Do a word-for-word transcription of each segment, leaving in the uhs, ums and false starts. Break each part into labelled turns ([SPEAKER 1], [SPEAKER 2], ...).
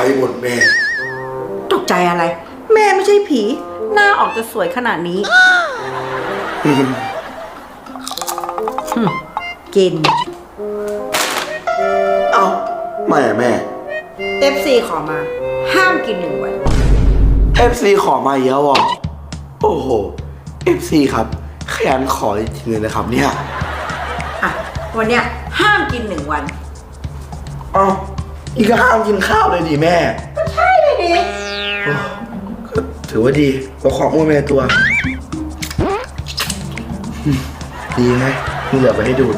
[SPEAKER 1] หมดแม่
[SPEAKER 2] ตกใจอะไร แม่ไม่ใช่ผี หน้าออกจะสวยขนาดนี้ กิน
[SPEAKER 1] เอ้าไม่อะแม่
[SPEAKER 2] เอฟ ซี ขอมา ห้ามกินหนึ่งวัน
[SPEAKER 1] เอฟ ซี ขอมาเยอะว่ะโอ้โห เอฟ ซี ครับขยันขอจริงๆเลยนะครับเนี่ย
[SPEAKER 2] อ่ะ วันเนี้ยห้ามกินหนึ่งวัน
[SPEAKER 1] เอ้านี่ก็ห้ามกินข้าวเลยดิแม่
[SPEAKER 2] ก็ใช่เลยดิ
[SPEAKER 1] โอ้ก็ถือว่าดีเพราะของอ้วนไปในตัวอืมดีไหมมีเหลือไปให้ดูด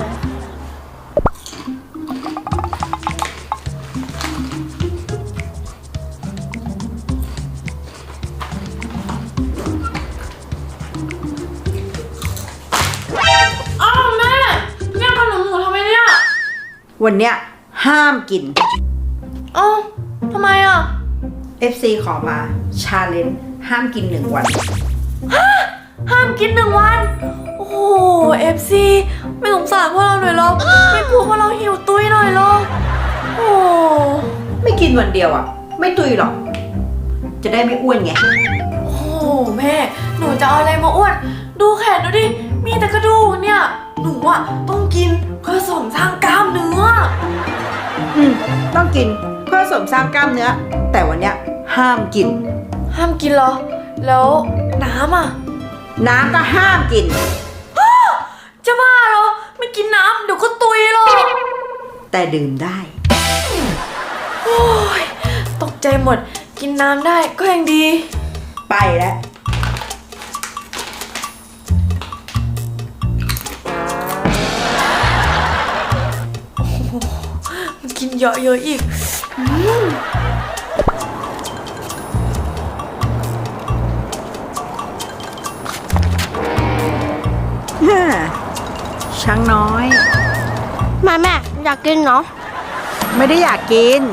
[SPEAKER 3] อ้าวแม่แย่งขนมหมูทำไมเนี่ย
[SPEAKER 2] วันเนี้ยห้ามกิน
[SPEAKER 3] อ้าวทำไมอ่ะ
[SPEAKER 2] เอฟ ซี ขอมา ชาเลนจ์ห้ามกินหนึ่งวัน
[SPEAKER 3] ห้ามกินหนึ่งวัน โอ้โหเอฟซีไม่สงสารพวกเราหน่อยหรอไม่กลัวพวกเราหิวตุ้ยหน่อยหรอโอ้
[SPEAKER 2] ไม่กินวันเดียวอ่ะ ไม่ตุยหรอก จะได้ไม่อ้วนไง
[SPEAKER 3] โอ้แม่หนูจะเอาอะไรมาอ้วนดูแขนดูดิมีแต่กระดูกเนี่ยหนูอ่ะต้องกินเพื่อเสริมสร้างกล้ามเนื้อ
[SPEAKER 2] อืม ต้องกินเพื่อเสริมสร้างกล้ามเนื้อ แต่วันเนี้ยห้ามกิน
[SPEAKER 3] ห้ามกินเหรอแล้วน้ำอ่ะ
[SPEAKER 2] น้ำก็ห้ามกิน
[SPEAKER 3] จะบ้าเหรอไม่กินน้ำเดี๋ยวก็ตุยหรอก
[SPEAKER 2] แต่ดื่มได้
[SPEAKER 3] โอ้ยตกใจหมดกินน้ำได้ก็ยังดี
[SPEAKER 2] ไปแล้ว
[SPEAKER 3] มันกินเยอะๆอีกอืม
[SPEAKER 2] ฮ่าช้างน้อย
[SPEAKER 4] แม่แม่อยากกินเนาะ
[SPEAKER 2] ไม่ได้อยากกิน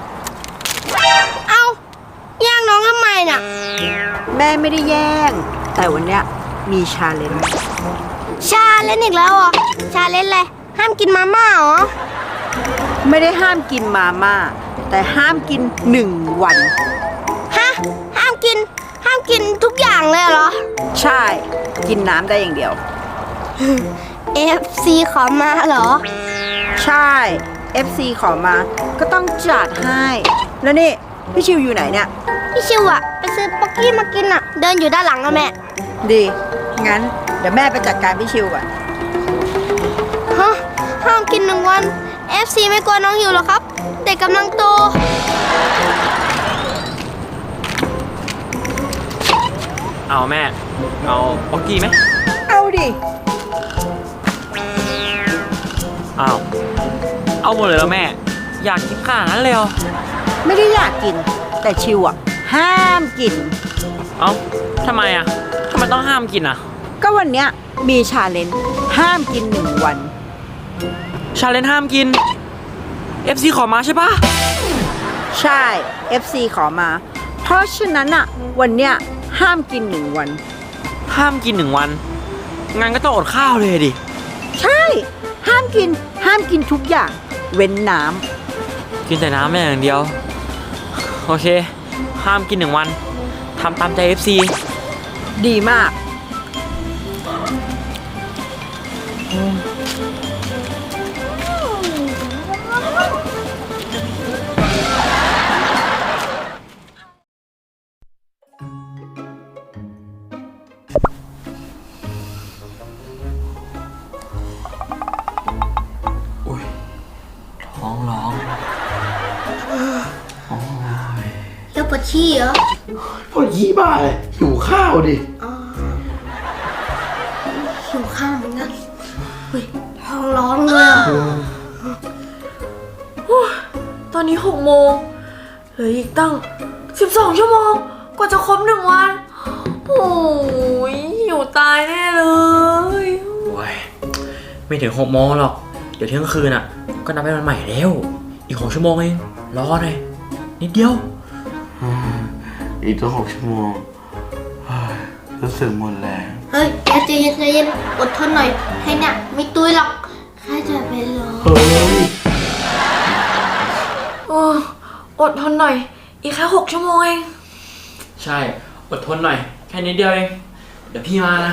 [SPEAKER 4] เอาแย่งน้องทำไมน่ะ
[SPEAKER 2] แม่ไม่ได้แย่ง แต่วันเนี้ยมีชาเลนจ์
[SPEAKER 4] ชาเล่นอีกแล้วเหรอชาเล่นอะไรห้ามกินมาม่าเหรอ
[SPEAKER 2] ไม่ได้ห้ามกินมาม่า แต่ห้ามกินหนึ่งวัน
[SPEAKER 4] ฮะห้ามกิน ห้ามกินทุกอย่างเลยเหรอ
[SPEAKER 2] ใช่ กินน้ำได้อย่างเดียว
[SPEAKER 4] เอฟ ซี ขอมาเหรอ
[SPEAKER 2] ใช่ เอฟ ซี ขอมา ก็ต้องจัดให้ แล้วนี่ พี่ชิวอยู่ไหนเนี่ย
[SPEAKER 4] พี่ชิวอะไปซื้อป๊อกกี้มากินอะเดินอยู่ด้านหลังนะแม่
[SPEAKER 2] ดี งั้น เดี๋ยวแม่ไปจัดการพี่ชิวก่อน
[SPEAKER 4] ฮะห้ามกินหนึ่งวัน เอฟ ซี ไม่กลัวน้องหิวหรอครับ เด็กกำลังโต
[SPEAKER 5] เอาแม่ เอาป๊อกกี้ไหม
[SPEAKER 2] เอาดิ
[SPEAKER 5] อ้าว เอาหมดเลยแล้วแม่ อยากกินขนาดนั้นเลยเหรอ
[SPEAKER 2] ไม่ได้อยากกิน แต่ชิวอ่ะ ห้ามกิน
[SPEAKER 5] เอ้าทำไมอ่ะทำไมต้องห้ามกินอ่ะ
[SPEAKER 2] ก็วันเนี้ยมีชาเลนจ์ห้ามกินหนึ่งวัน
[SPEAKER 5] ชาเลนจ์ห้ามกิน เอฟ ซี ขอมาใช่ปะ
[SPEAKER 2] ใช่ เอฟ ซี ขอมา เพราะฉะนั้นอ่ะ วันเนี้ยห้ามกินหนึ่งวัน
[SPEAKER 5] ห้ามกินหนึ่งวันงั้นก็ต้องอดข้าวเลยดิ
[SPEAKER 2] ใช่ ห้ามกิน ห้ามกินทุกอย่าง เว้นน้
[SPEAKER 5] กินแต่น้ำไม่อย่างเดียว โอเค ห้ามกินหนึ่งวันทำตามใจ เอฟ ซี
[SPEAKER 2] ำดีมาก
[SPEAKER 5] ท้องร้อง
[SPEAKER 4] แล้วปวดขี้เหรอ
[SPEAKER 1] พอยี่บ้าเลยหิวข้าวดิ
[SPEAKER 4] อ๋อหิวข้าวเหมือนกันเฮ้ยท้องร้องเลยอ่ะ
[SPEAKER 3] ตอนนี้หกโมงเหลืออีกตั้งสิบสองชั่วโมงกว่าจะครบหนึ่งวัน โอ้ยหิวตายแน่เลย
[SPEAKER 5] โอ้ย ไม่ถึงหกโมงหรอก เดี๋ยวเที่ยงคืนอ่ะ ก็นับเป็นวันใหม่แล้ว อีกหกชั่วโมงเอง รอหน่อย นิดเดียว
[SPEAKER 1] อีกตั้งหกชั่วโมงเฮ้ยรู้สึกหมดแรง
[SPEAKER 4] เฮ้ยใจเย็นใจเย็นอดทนหน่อยให้เนี่ยไม่ตุยหรอกแค่จะไปรอ
[SPEAKER 1] เฮ้ย
[SPEAKER 3] โอ้อดทนหน่อยอีกแค่หกชั่วโมงเอง
[SPEAKER 5] ใช่ อดทนหน่อย แค่นิดเดียวเอง เดี๋ยวพี่มานะ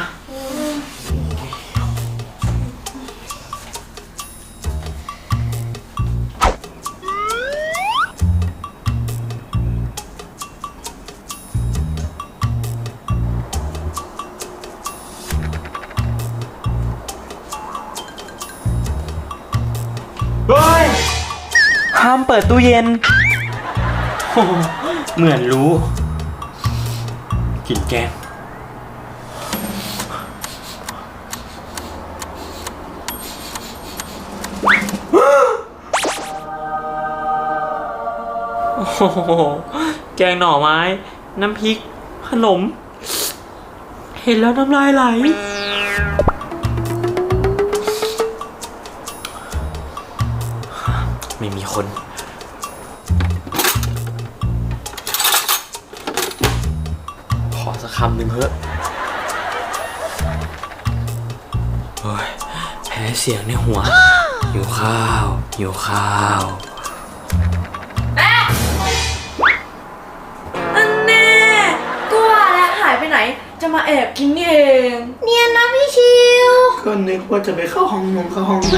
[SPEAKER 5] เฮ้ย ห้ามเปิดตู้เย็น โอ้โหเหมือนรู้กลิ่นแกงโอ้โหแกงหน่อไม้ น้ำพริก ขนม เห็นแล้วน้ำลายไหล ไม่มีคน ขอสักคำหนึ่งเถอะโอ้ยแพ้เสียงในหัว หิวข้าว หิวข้าว
[SPEAKER 3] อันแน่ก็ว่าแล้วหายไปไหน จะมาแอบกินนี่เอง
[SPEAKER 4] เนียนนะพี่ชิว
[SPEAKER 1] ก็นึกว่าจะไปเข้าห้องนงเข้าห้องน้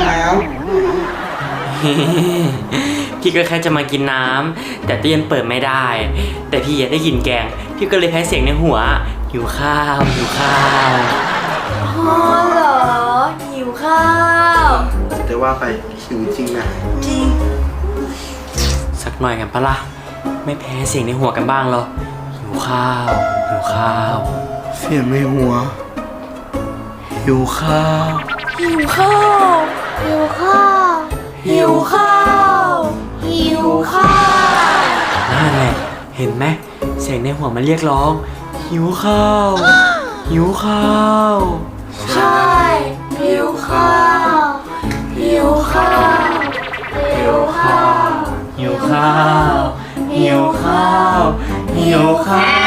[SPEAKER 5] พี่ก็แค่จะมากินน้ำแต่ตู้เย็นเปิดไม่ได้ แต่พี่อยากได้กลิ่นแกง พี่ก็เลยแพ้เสียงในหัว หิวข้าว หิวข้าว
[SPEAKER 3] อ๋อเหรอ หิวข้าว
[SPEAKER 1] ำแต่ว่าไปหิวจริงนะ
[SPEAKER 3] จริง
[SPEAKER 5] สักหน่อยกันปะล่ะ ไม่แพ้เสียงในหัวกันบ้างเหรอ หิวข้าว หิวข้าว
[SPEAKER 1] เสียงในหัว หิวข้าว
[SPEAKER 3] หิวข้าว
[SPEAKER 4] หิวข้าว
[SPEAKER 3] หิวข้าว
[SPEAKER 4] หิวข้าว
[SPEAKER 5] นั่นแหละ เห็นไหมเสียงในหัวมันเรียกร้อง หิวข้าว หิวข้าว
[SPEAKER 3] ใช่ หิวข้าว หิวข้าว หิวข้าว
[SPEAKER 5] หิวข้าว หิวข้าว หิวข้าว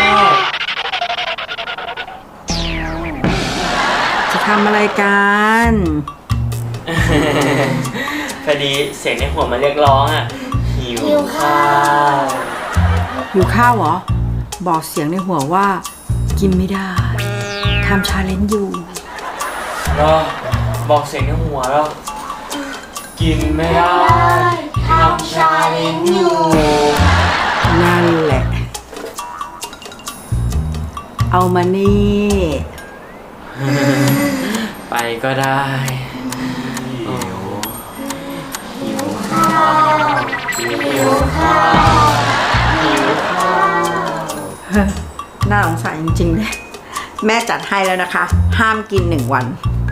[SPEAKER 2] จะทำอะไรกัน
[SPEAKER 5] พอดีเสียงในหัวมันเรียกร้องอ่ะ หิวข้าว
[SPEAKER 2] หิวข้าวเหรอ บอกเสียงในหัวว่า กินไม่ได้ทำชาเลนจ์อยู่
[SPEAKER 5] รอบอกเสียงในหัวแล้ว กินไม่ได้ทำชาเลนจ์อยู่
[SPEAKER 2] นั่นแหละ เอามานี่
[SPEAKER 5] ไปก็ได้โอ้หิวข้าว หิวข้าว หิวข้าว
[SPEAKER 2] น่าสงสารจริงๆเลย แม่จัดให้แล้วนะคะ ห้ามกินหนึ่งวัน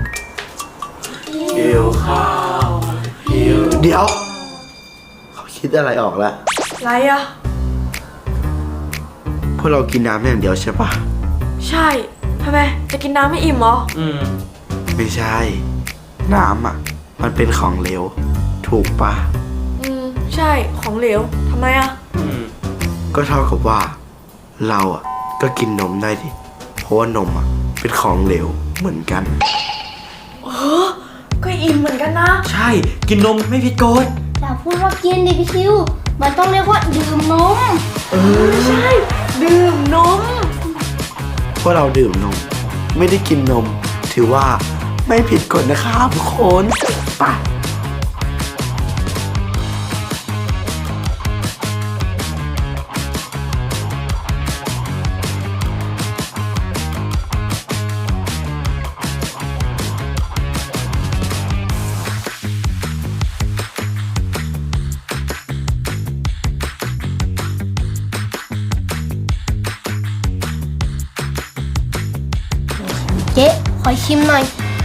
[SPEAKER 5] หิวข้าว หิว
[SPEAKER 1] เดี๋ยว เขาคิดอะไรออกแล้ว
[SPEAKER 3] ไรอะ
[SPEAKER 1] พวกเรากินน้ำอย่างเดียวใช่ปะ
[SPEAKER 3] ใช่ทำไม จะกินน้ำไม่อิ่มเหรอ
[SPEAKER 5] อืม
[SPEAKER 1] ไม่ใช่ น้ำอ่ะ มันเป็นของเหลว ถูกปะ
[SPEAKER 3] อืม ใช่ ของเหลว ทำไมอะ
[SPEAKER 5] อืม
[SPEAKER 1] ก็เท่ากับว่า เราอ่ะ ก็กินนมได้ดิ เพราะว่านมอ่ะ เป็นของเหลวเหมือนกัน
[SPEAKER 3] เออ ก็อิ่มเหมือนกันนะ
[SPEAKER 5] ใช่ กินนมไม่ผิดกฎ
[SPEAKER 4] อย่าพูดว่ากินดิพี่ชิว มันต้องเรียกว่าดื่มนม
[SPEAKER 3] ใช่ ดื่มนม
[SPEAKER 1] พวกเราดื่มนม ไม่ได้กินนม ถือว่าไม่ผิดกฎนะครับทุกคนไป
[SPEAKER 4] เจ๊ขอชิมหน่อย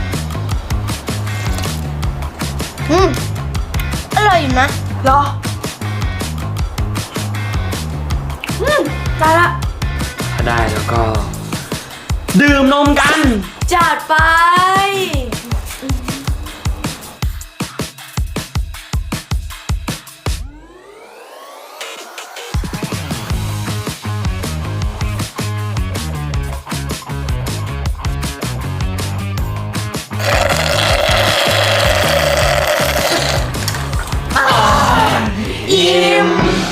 [SPEAKER 4] อืม อร่อยอยู่นะ
[SPEAKER 3] เหรอ อืม ได้ละ
[SPEAKER 5] ถ้าได้แล้วก็ ดื่มนมกัน
[SPEAKER 3] จัดไปอิ่ม